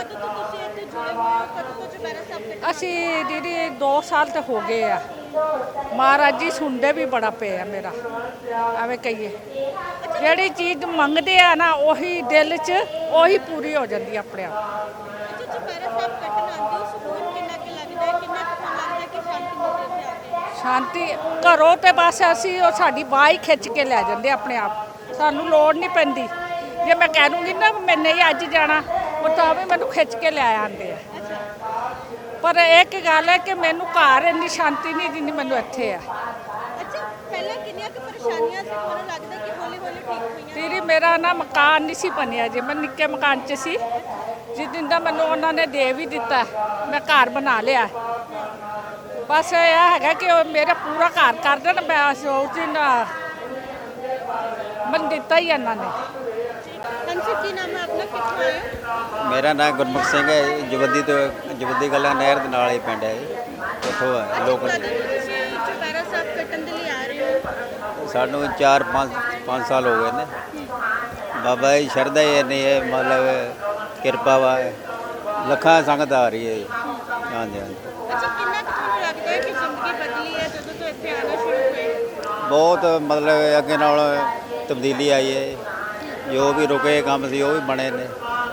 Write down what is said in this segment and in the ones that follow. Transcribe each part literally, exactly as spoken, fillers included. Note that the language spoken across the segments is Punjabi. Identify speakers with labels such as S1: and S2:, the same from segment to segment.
S1: ਕਦੋਂ ਤੋਂ ਤੁਸੀਂ ਇੱਥੇ ਜੁੜੇ ਹੋਏ ਹੋ? ਕਦੋਂ ਤੋਂ ਚੁਪਹਿਰਾ ਸਾਹਿਬ ਕੱਟਣ
S2: ਅਸੀਂ ਦੀਦੀ ਦੋ ਸਾਲ ਤੇ ਹੋ ਗਏ ਆ। ਮਹਾਰਾਜ ਜੀ ਸੁਣਦੇ ਵੀ ਬੜਾ ਪਏ ਆ ਮੇਰਾ, ਐਵੇਂ ਕਹੀਏ ਜਿਹੜੀ ਚੀਜ਼ ਮੰਗਦੇ ਆ ਨਾ ਉਹੀ ਦਿਲ 'ਚ ਉਹੀ ਪੂਰੀ ਹੋ ਜਾਂਦੀ ਆਪਣੇ ਆਪ।
S1: ਅੱਛਾ, ਚੁਪਹਿਰਾ ਸਾਹਿਬ ਕੱਟਣ ਆਉਂਦੇ ਹੋ, ਸਕੂਨ ਕਿੰਨਾ ਕੁ ਲੱਗਦਾ ਹੈ? ਕਿੰਨਾ ਕੁ ਤੁਹਾਨੂੰ ਲੱਗਦਾ ਕਿ ਸ਼ਾਂਤੀ ਮਿਲਦੀ ਹੈ ਇੱਥੇ ਆ ਕੇ?
S2: ਸ਼ਾਂਤੀ ਘਰੋਂ ਤੇ ਬਸ ਅਸੀਂ ਉਹ ਸਾਡੀ ਬਾਂਹ ਹੀ ਖਿੱਚ ਕੇ ਲੈ ਜਾਂਦੇ ਆਪਣੇ ਆਪ, ਸਾਨੂੰ ਲੋੜ ਨਹੀਂ ਪੈਂਦੀ। ਜੇ ਮੈਂ ਕਹਿ ਦੂੰਗੀ ਨਾ ਮੈਂ ਨਹੀਂ ਅੱਜ ਜਾਣਾ, ਉਹ ਤਾਂ ਵੀ ਮੈਨੂੰ ਖਿੱਚ ਕੇ ਲੈ ਆਉਂਦੇ ਆ। ਪਰ ਇੱਕ ਗੱਲ ਹੈ ਕਿ ਮੈਨੂੰ ਘਰ ਇੰਨੀ ਸ਼ਾਂਤੀ ਨਹੀਂ ਜਿੰਨੀ ਮੈਨੂੰ ਇੱਥੇ ਆ।
S1: ਅੱਛਾ, ਪਹਿਲਾਂ ਕਿੰਨੀਆਂ ਕੁ ਪਰੇਸ਼ਾਨੀਆਂ ਸੀ? ਤੁਹਾਨੂੰ ਲੱਗਦਾ ਕਿ ਹੌਲੀ ਹੌਲੀ ਠੀਕ ਹੋਈਆਂ?
S2: ਤੇਰੀ ਮੇਰਾ ਨਾ ਮਕਾਨ ਨਹੀਂ ਸੀ ਬਣਿਆ, ਜੇ ਮੈਂ ਨਿੱਕੇ ਮਕਾਨ 'ਚ ਸੀ, ਜਿਸ ਦਿਨ ਦਾ ਮੈਨੂੰ ਉਹਨਾਂ ਨੇ ਦੇ ਵੀ ਦਿੱਤਾ ਮੈਂ ਘਰ ਬਣਾ ਲਿਆ। ਬਸ ਇਹ ਹੈਗਾ ਕਿ ਉਹ ਮੇਰਾ ਪੂਰਾ ਘਰ ਕਰ ਦੇਣ, ਮੈਂ ਉਸ ਦਿਨ ਮੈਨੂੰ ਦਿੱਤਾ ਹੀ ਇਹਨਾਂ ਨੇ।
S1: ਹਾਂਜੀ, ਕੀ ਨਾਮ ਹੈ ਆਪਣਾ, ਕਿੱਥੋਂ ਆਏ ਹੋ?
S3: ਮੇਰਾ ਨਾਮ ਗੁਰਮੁਖ ਸਿੰਘ ਹੈ, ਜਵੱਦੀ ਤੋਂ ਜਵੱਦੀ ਗੱਲਾਂ ਨਹਿਰ ਦੇ ਨਾਲ ਹੀ ਪਿੰਡ ਹੈ ਜੀ। ਉੱਥੋਂ ਹੈ ਲੋਕਲ।
S1: ਕਦੋਂ ਤੋਂ ਤੁਸੀਂ ਚੁਪਹਿਰਾ ਸਾਹਿਬ ਕੱਟਣ ਦੇ ਲਈ ਆ ਰਹੇ ਹੋ?
S3: ਸਾਨੂੰ ਚਾਰ ਪੰਜ ਪੰਜ ਸਾਲ ਹੋ ਗਏ ਨੇ। ਬਾਬਾ ਜੀ ਸ਼ਰਧਾ ਹੀ ਇੰਨੀ ਹੈ, ਮਤਲਬ ਕਿਰਪਾ ਵਾ, ਲੱਖਾਂ ਸੰਗਤ ਆ ਰਹੀ ਹੈ ਜੀ। ਹਾਂਜੀ ਹਾਂਜੀ।
S1: ਅੱਛਾ, ਕਿੰਨਾ ਕੁ ਤੁਹਾਨੂੰ ਲੱਗਦਾ ਹੈ ਕਿ ਜ਼ਿੰਦਗੀ ਬਦਲੀ ਹੈ ਜਦੋਂ ਤੋਂ ਇੱਥੇ ਆਉਣਾ ਸ਼ੁਰੂ ਹੋਏ?
S3: ਬਹੁਤ ਮਤਲਬ ਅੱਗੇ ਨਾਲ ਤਬਦੀਲੀ ਆਈ ਹੈ। ਜੋ ਵੀ ਰੁਕੇ ਕੰਮ ਸੀ ਉਹ ਵੀ ਬਣੇ ਨੇ।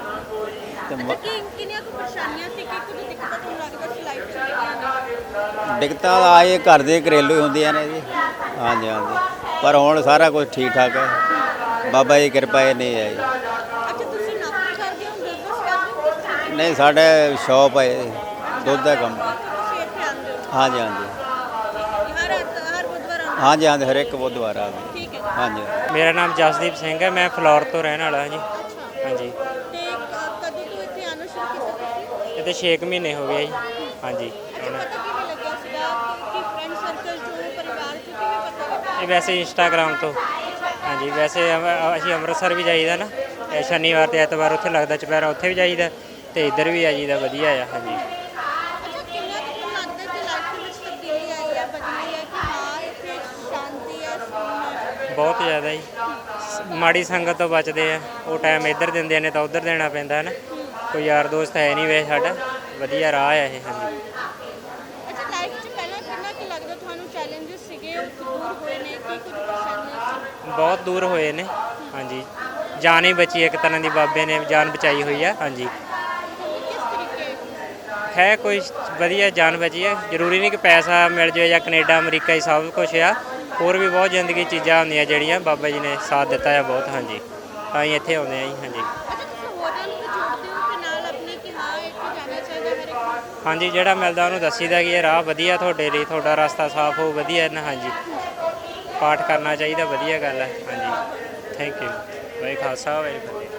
S3: ਤੇ
S1: ਅੱਛਾ, ਕੀ ਕਿੰਨੀਆਂ ਕੁ ਪਰੇਸ਼ਾਨੀਆਂ ਸੀ, ਕਿ ਕੁਝ ਦਿੱਕਤਾਂ ਤੁਹਾਨੂੰ ਲੱਗਦਾ ਸੀ ਲਾਈਫ 'ਚ ਜਿਹੜੀਆਂ ਨੇ?
S3: ਦਿੱਕਤਾਂ ਆਏ ਘਰ ਦੇ ਘਰੇਲੂ ਹੀ ਹੁੰਦੀਆਂ ਨੇ ਜੀ। ਹਾਂਜੀ ਹਾਂਜੀ, ਪਰ ਹੁਣ ਸਾਰਾ ਕੁਝ ਠੀਕ ਠਾਕ ਹੈ, ਬਾਬਾ ਜੀ ਕਿਰਪਾ ਇਹ ਨਹੀਂ ਹੈ ਜੀ।
S1: ਅੱਛਾ, ਤੁਸੀਂ ਨੌਕਰੀ ਕਰਦੇ ਹੋ, ਬਿਜ਼ਨਸ ਕਰਦੇ ਹੋ, ਕਿਸ ਤਰੀਕੇ
S3: ਨਹੀਂ, ਸਾਡੇ ਸ਼ੌਪ ਹੈ ਦੁੱਧ ਦਾ ਕੰਮ।
S1: ਨਾਲ ਤੁਸੀਂ ਇੱਥੇ ਆਉਂਦੇ ਹੋ?
S3: ਹਾਂਜੀ ਹਾਂਜੀ
S1: ਹਰ ਐਤ- ਹਰ ਬੁੱਧਵਾਰ ਆਉਂਦੇ ਹੋ?
S3: ਹਾਂਜੀ ਹਾਂਜੀ, ਹਰ ਇੱਕ ਬੁੱਧਵਾਰ ਆ ਜੀ।
S1: ਠੀਕ ਹੈ।
S3: ਹਾਂਜੀ।
S4: ਮੇਰਾ ਨਾਮ ਜਸਦੀਪ ਸਿੰਘ ਹੈ, ਮੈਂ ਫਲੋਰ ਤੋਂ ਰਹਿਣ ਵਾਲਾ ਹਾਂ ਜੀ।
S1: ਅੱਛਾ,
S4: ਹਾਂਜੀ,
S1: ਤੇ ਕ- ਕਦੋਂ ਤੋਂ ਇੱਥੇ ਆਉਣਾ ਸ਼ੁਰੂ ਕੀਤਾ ਤੁਸੀਂ?
S4: ਇੱਥੇ ਛੇ ਕੁ ਮਹੀਨੇ ਹੋ ਗਏ ਜੀ। ਹਾਂਜੀ,
S1: ਅੱਛਾ,
S4: ਹੁਣ
S1: ਪਤਾ ਕਿਵੇਂ ਲੱਗਿਆ ਸੀਗਾ ਕਿ ਫਰੈਂਡ ਸਰਕਲ ਚੋਂ, ਪਰਿਵਾਰ ਚੋਂ, ਕਿਵੇਂ ਪਤਾ ਲੱਗਿਆ?
S4: ਇਹ ਵੈਸੇ ਇੰਸਟਾਗ੍ਰਾਮ ਤੋਂ। ਹਾਂਜੀ, ਵੈਸੇ ਅਮ- ਅਸੀਂ ਅੰਮ੍ਰਿਤਸਰ ਵੀ ਜਾਈਦਾ ਨਾ, ਇਹ ਸ਼ਨੀਵਾਰ ਤੇ ਐਤਵਾਰ ਉੱਥੇ ਲੱਗਦਾ ਚੁਪਹਿਰਾ, ਉੱਥੇ ਵੀ ਜਾਈਦਾ ਤੇ ਇੱਧਰ ਵੀ ਆ ਜਾਈਦਾ। ਵਧੀਆ ਆ। ਹਾਂਜੀ,
S1: ਅੱਛਾ, ਕਿੰਨਾ ਕੁ ਤੁਹਾਨੂੰ ਲੱਗਦਾ ਕਿ ਲਾਈਫ ਦੇ ਵਿੱਚ ਤਬਦੀਲੀ ਆਈ ਹੈ, ਬਦਲੀ ਹੈ, ਕਿ ਹਾਂ ਇੱਥੇ ਸ਼ਾਂਤੀ ਹੈ, ਸਕੂਨ ਹੈ?
S4: ਬਹੁਤ ਜ਼ਿਆਦਾ ਜੀ। ਸ- ਮਾੜੀ ਸੰਗਤ ਤੋਂ ਬਚਦੇ ਆ, ਉਹ ਟਾਈਮ ਇੱਧਰ ਦਿੰਦੇ ਨੇ ਤਾਂ ਉੱਧਰ ਦੇਣਾ ਪੈਂਦਾ ਹੈ ਨਾ। ਕੋਈ ਯਾਰ ਦੋਸਤ ਹੈ ਨਹੀਂ ਵੇ ਸਾਡਾ, ਵਧੀਆ ਰਾਹ ਆ ਇਹ। ਹਾਂਜੀ,
S1: ਅੱਛਾ, ਲਾਈਫ 'ਚ ਪਹਿਲਾਂ ਕਿੰਨਾ ਕੁ ਲੱਗਦਾ ਤੁਹਾਨੂੰ ਚੈਲੰਜਸ ਸੀਗੇ, ਉਹ ਦੂਰ ਹੋਏ ਨੇ, ਕੀ ਕੁਝ ਪਰੇਸ਼ਾਨੀਆਂ ਸੀ?
S4: ਬਹੁਤ ਦੂਰ ਹੋਏ ਨੇ। ਹਾਂਜੀ, ਜਾਨ ਹੀ ਬਚੀ, ਇੱਕ ਤਰ੍ਹਾਂ ਦੀ ਬਾਬੇ ਨੇ ਜਾਨ ਬਚਾਈ ਹੋਈ ਆ। ਹਾਂਜੀ,
S1: ਕਿਸ ਤਰੀਕੇ?
S4: ਹੈ ਕੋਈ ਵਧੀਆ ਜਾਨ ਬਚੀ ਹੈ। ਜ਼ਰੂਰੀ ਨਹੀਂ ਕਿ ਪੈਸਾ ਮਿਲ ਜਾਵੇ ਜਾਂ ਕੈਨੇਡਾ ਅਮਰੀਕਾ ਹੀ ਸਭ ਕੁਛ ਆ, ਹੋਰ ਵੀ ਬਹੁਤ ਜ਼ਿੰਦਗੀ ਚੀਜ਼ਾਂ ਹੁੰਦੀਆਂ ਜਿਹੜੀਆਂ ਬਾਬਾ ਜੀ ਨੇ ਸਾਥ ਦਿੱਤਾ ਹੈ ਬਹੁਤ। ਹਾਂਜੀ, ਤਾਂ ਹੀ ਇੱਥੇ ਆਉਂਦੇ ਆ ਜੀ। ਹਾਂਜੀ
S1: ਅੱਛਾ, ਤੁਸੀਂ ਹੋਰਾਂ ਨੂੰ ਵੀ ਜੋੜਦੇ ਹੋ ਕਿ ਨਾਲ ਆਪਣੇ, ਕਿ ਹਾਂ ਇੱਥੇ ਜਾਣਾ ਚਾਹੀਦਾ ਹਰ ਇੱਕ ਨੂੰ?
S4: ਹਾਂਜੀ, ਜਿਹੜਾ ਮਿਲਦਾ ਉਹਨੂੰ ਦੱਸੀਦਾ ਕਿ ਇਹ ਰਾਹ ਵਧੀਆ ਤੁਹਾਡੇ ਲਈ, ਤੁਹਾਡਾ ਰਸਤਾ ਸਾਫ਼ ਹੋ, ਵਧੀਆ ਨਾ। ਹਾਂਜੀ, ਪਾਠ ਕਰਨਾ ਚਾਹੀਦਾ, ਵਧੀਆ ਗੱਲ ਹੈ। ਹਾਂਜੀ, ਥੈਂਕ ਯੂ। ਵਾਹਿਗੁਰੂ ਖਾਲਸਾ ਵਾਹਿਗੁਰੂ ਫਤਿਹ।